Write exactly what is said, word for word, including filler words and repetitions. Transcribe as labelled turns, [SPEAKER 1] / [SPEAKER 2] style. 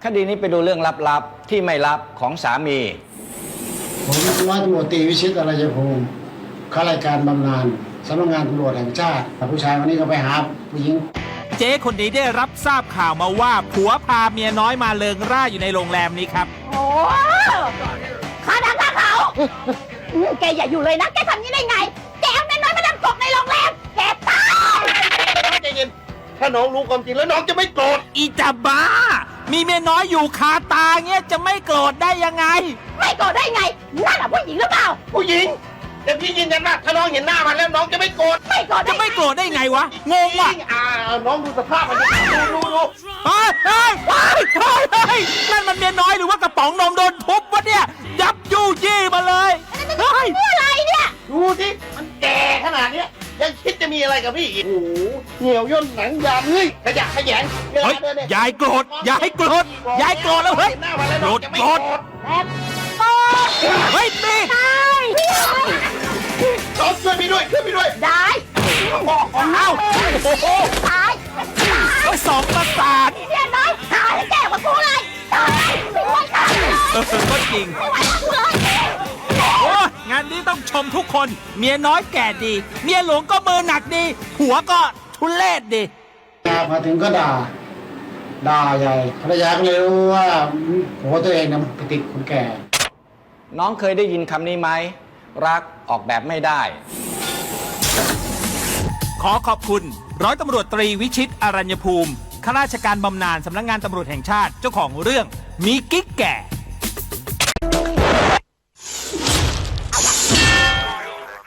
[SPEAKER 1] คดีนี้ไปดูเรื่องลับๆที่ไม่ลับของสามี
[SPEAKER 2] ผมร้อยตำรวจตรีวิชิตอรยภูมิข้าราชการบำนาญสำนักงานตำรวจแห่งชาติผู้ชายวันนี้ก็ไปหาผู้หญิง
[SPEAKER 3] เจ๊คนนี้ได้รับทราบข่าวมาว่าผัวพาเมียน้อยมาเลิงร่าอยู่ในโรงแรมนี้ครับ
[SPEAKER 4] โอ้ข้าดังข้าเขาแกอย่าอยู่เลยนะแกทำนี้ได้ไงแกเอาเมียน้อยมาดังกบในโรงแรมแกตาย
[SPEAKER 5] ใจเย็นถ้าน้องรู้ความจริงแล้วน้องจะไม่โกรธ
[SPEAKER 3] อีจับบ้ามีเมียน้อยอยู่คาตาเงี้ยจะไม่โกรธได้ยังไง
[SPEAKER 4] ไม่โกรธได้ไงนั่นแหละผู้หญิงหรือเปล่า
[SPEAKER 5] ผู้หญิงแต่พี่ยืนยันว่าถ้าน้องเห็นหน้ามันแล้วน้องจะไม่โกรธ
[SPEAKER 4] ไม่โกรธ
[SPEAKER 3] จะไม่โกรธได้ไงวะงงว่ะ
[SPEAKER 5] อ่าน้องดูสภาพมันดูดูดู
[SPEAKER 3] เฮ้ยเฮ้ยเฮ้ยเฮ้ยนั่นมันเมียน้อยหรือว่ากระป๋องนมโดนทุบวะเนี่ยยับยู่ยี่มาเลย
[SPEAKER 4] เฮ้ยอะไรเนี่ย
[SPEAKER 5] ดูสิมันแก่ขนาดเนี้ยยังคิดจะมีอะไรกับพี่อีกโอ้โหเหี่ยวย่นหนังยางเฮ้ยขยะขยง
[SPEAKER 3] เฮ้ยยายโกรธยายโกรธยายโกรธแล้วเฮ้ยโกรธโกรธ
[SPEAKER 4] แบบโอ๊ย
[SPEAKER 3] เฮ้ยนี่
[SPEAKER 4] ตาย
[SPEAKER 5] น้องช่วยพี่ด้วยช่วยพี่ด้วย
[SPEAKER 4] ได้
[SPEAKER 3] เอ้าโอ้โห
[SPEAKER 4] ตาย
[SPEAKER 3] ก็สองประสาท
[SPEAKER 4] เนี่ยน้อยตายแก่กว่ากูเลยตายไม่ไหวตายเลย
[SPEAKER 3] เออก็จริง
[SPEAKER 4] ไม่ไหวกูเลย
[SPEAKER 3] โอ้งานนี้ต้องชมทุกคนเมียน้อยแก่ดีเมียหลวงก็มือหนักดีหัวก็ทุเลศดี
[SPEAKER 2] มาถึงก็ด่าด่าใหญ่ภรรยาก็เลยรู้ว่าหัวตัวเองนะไปติดคนแก่
[SPEAKER 1] น้องเคยได้ยินคำนี้ไหมรักออกแบบไม่ได้
[SPEAKER 3] ขอขอบคุณร้อยตำรวจตรีวิชิตอรัญญภูมิข้าราชการบำนาญสำนักงานตำรวจแห่งชาติเจ้าของเรื่องมีกิ๊กแก่